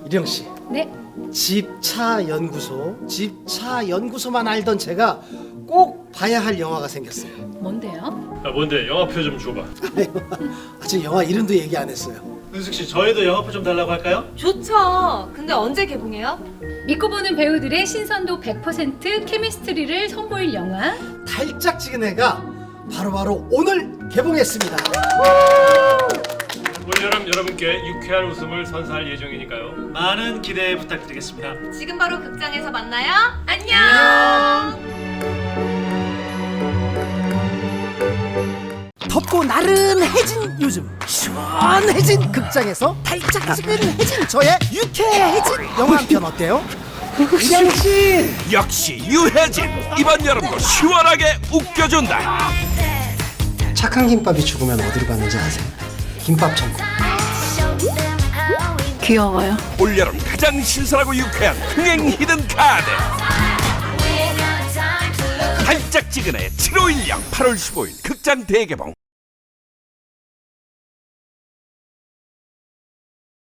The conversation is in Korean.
이령 씨, 네. 집차연구소만 알던 제가 꼭 봐야 할 영화가 생겼어요. 뭔데요? 뭔데? 영화표 좀 줘봐. 아직 영화 이름도 얘기 안 했어요. 은숙 씨, 저희도 영화표 좀 달라고 할까요? 좋죠. 근데 언제 개봉해요? 믿고 보는 배우들의 신선도 100% 케미스트리를 선보일 영화. 달짝지근해가 바로 오늘 개봉했습니다. 올여름 여러분께 유쾌한 웃음을 선사할 예정이니까요. 많은 기대 부탁드리겠습니다. 지금 바로 극장에서 만나요. 안녕. 덥고 나른해진 요즘 시원해진 극장에서 달짝지근해진 저의 유쾌해진 영화 한 편 어때요? 이령 씨, 역시 유해진. 이번 여름도 시원하게 웃겨준다. 착한 김밥이 죽으면 어디로 가는지 아세요? 김밥 천국. 귀여워요. 올여름 가장 신선하고 유쾌한 흥행 히든 카드. 달짝지근해 7호 1령 8월 15일 극장 대개봉.